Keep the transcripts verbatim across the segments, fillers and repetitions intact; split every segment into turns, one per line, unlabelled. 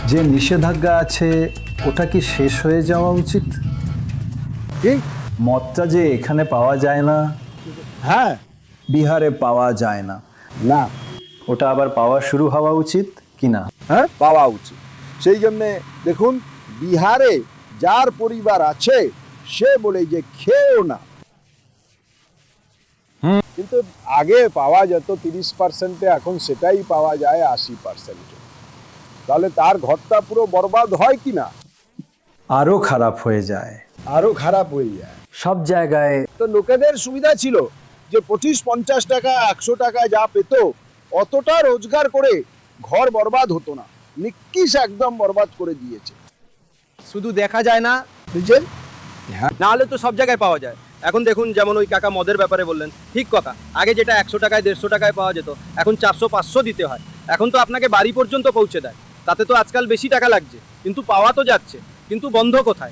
যে নিষেধাজ্ঞা আছে ওটা কি শেষ হয়ে যাওয়া উচিত?
কি?
মদটা যে এখানে পাওয়া যায় না,
হ্যাঁ,
বিহারে পাওয়া যায় না,
না,
ওটা আবার পাওয়া শুরু হওয়া উচিত কি না?
হ্যাঁ পাওয়া উচিত। সেই জন্যে দেখুন, বিহারে যার পরিবার আছে সে বলে যে খেয়েও না, কিন্তু আগে পাওয়া যেত তিরিশ পার্সেন্টে, এখন সেটাই পাওয়া যায় আশি পার্সেন্টে। তাহলে তার ঘরটা পুরো বরবাদ হয় কি না?
আরো খারাপ হয়ে যায়।
আরো খারাপ হয়ে যায়।
সব জায়গায়
তো লোকেদের সুবিধা ছিল যে পঁচিশ পঞ্চাশ টাকা একশো টাকা যা পেত অতটা রোজগার করে ঘর বরবাদ হতো না। নিকিশ একদম বরবাদ করে দিয়েছে।
শুধু দেখা যায় না,
বুঝছেন?
না হলে তো সব জায়গায় পাওয়া যায়। এখন দেখুন, যেমন ওই কাকা মদের ব্যাপারে বললেন, ঠিক কথা। আগে যেটা একশো টাকায় দেড়শো টাকায় পাওয়া যেত, এখন চারশো পাঁচশো দিতে হয়। এখন তো আপনাকে বাড়ি পর্যন্ত পৌঁছে দেয়, তাতে তো আজকাল বেশি টাকা লাগছে, কিন্তু পাওয়া তো যাচ্ছে। কিন্তু বন্ধ কোথায়?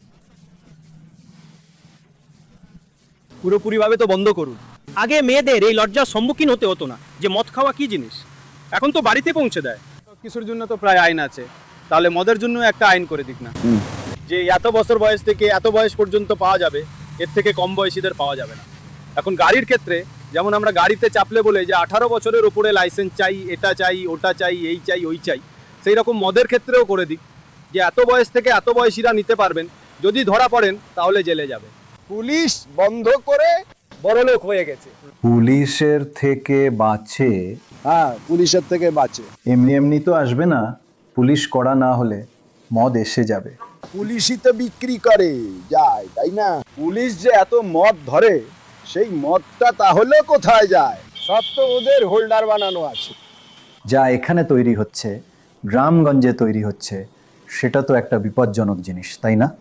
পুরোপুরিভাবে তো বন্ধ করুন। আগে মেয়েদের এই লজ্জার সম্মুখীন হতে হতো না যে মদ খাওয়া কি জিনিস, এখন তো বাড়িতে পৌঁছে দেয়। কিছুর জন্য তো প্রায় আইন আছে, তাহলে মদের জন্য একটা আইন করে দিক না, যে এত বছর বয়স থেকে এত বয়স পর্যন্ত পাওয়া যাবে, এর থেকে কম বয়সীদের পাওয়া যাবে না। এখন গাড়ির ক্ষেত্রে যেমন আমরা গাড়িতে চাপলে বলে যে আঠারো বছরের উপরে লাইসেন্স চাই, এটা চাই, ওটা চাই, এই চাই, ওই চাই, সেই রকম মদের ক্ষেত্রেও করে দিক যে এত বয়স থেকে এত বয়সীরা নিতে পারবেন, যদি ধরা পড়েন তাহলে জেলে যাবে।
পুলিশ বন্ধ করে
বড়লোক হয়ে গেছে।
পুলিশের থেকে বাঁচে,
হ্যাঁ, পুলিশের থেকে বাঁচে।
এমনি এমনি তো আসবে না। পুলিশ করা না হলে মদ এসে যাবে।
পুলিশই তো বিক্রি করে যায়, তাই না? পুলিশ যে এত মদ ধরে, সেই মদটা তাহলে কোথায় যায়? সব তো ওদের হোল্ডার বানানো আছে।
যা এখানে তৈরি হচ্ছে, গ্রামগঞ্জে তৈরি হচ্ছে, সেটা তো একটা বিপজ্জনক জিনিস, তাই না?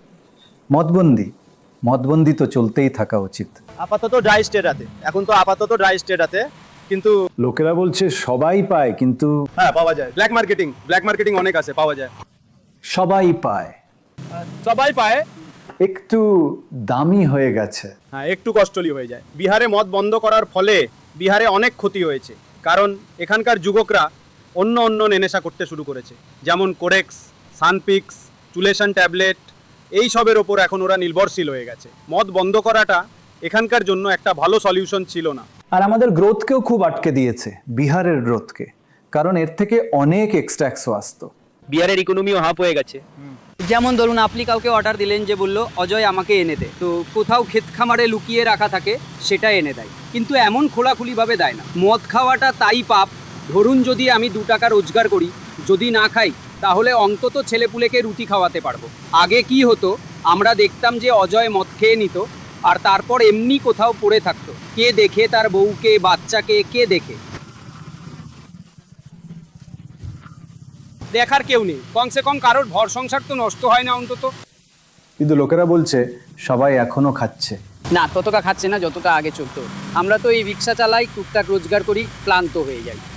মদবন্দি মদবন্দি তো চলতেই থাকা উচিত।
আপাতত ড্রাই স্টেট আছে, এখন তো আপাতত ড্রাই স্টেট আছে, কিন্তু
লোকেরা বলছে সবাই পায়, কিন্তু
হ্যাঁ পাওয়া যায়। ব্ল্যাক মার্কেটিং ব্ল্যাক মার্কেটিং অনেক আছে, পাওয়া যায়।
সবাই পায়,
সবাই পায়,
একটু দামি হয়ে গেছে।
হ্যাঁ একটু কস্টলি হয়ে যায়। বিহারে মদ বন্ধ করার ফলে বিহারে অনেক ক্ষতি হয়েছে, কারণ এখানকার যুবকরা অন্য অন্য নেশা করতে শুরু করেছে, যেমন কোরেক্স, সানপিক্স, চুলেশন ট্যাবলেট, এই সবের ওপর এখন ওরা নির্ভরশীল হয়ে গেছে। মদ বন্ধ করাটা এখানকার জন্য একটা ভালো সলিউশন ছিল না।
আর আমাদের গ্রোথকেও খুব আটকে দিয়েছে, বিহারের গ্রোথকে, কারণ এর থেকে অনেক এক্সট্রাক্সও আসতো।
বিহারের ইকোনমিও হাফ হয়ে গেছে।
যেমন ধরুন, আপনি কাউকে অর্ডার দিলেন যে বলল অজয় আমাকে এনে দে, তো কোথাও ক্ষেত খামারে লুকিয়ে রাখা থাকে, সেটা এনে দেয়, কিন্তু এমন খোলাখুলিভাবে দেয় না। মদ খাওয়াটা তাই পাপ। ধরুন যদি আমি দু টাকা রোজগার করি, যদি না খাই তাহলে অন্তত ছেলেপুলেকে রুটি খাওয়াতে পারবো। আগে কি হতো, আমরা দেখতাম যে অজয় মদ খেয়ে নিত আর তারপর এমনি কোথাও পড়ে থাকতো, কে দেখে, তার বউকে, বাচ্চাকে কে দেখে? দেখার কেউ নেই, কমসে কম কারোর ঘর সংসার তো নষ্ট হয় না অন্তত।
কিন্তু লোকেরা বলছে সবাই এখনো খাচ্ছে।
না, ততটা খাচ্ছে না যতটা আগে চলতো। আমরা তো এই রিক্সা চালাই, টুকটাক রোজগার করি, ক্লান্ত হয়ে যাই।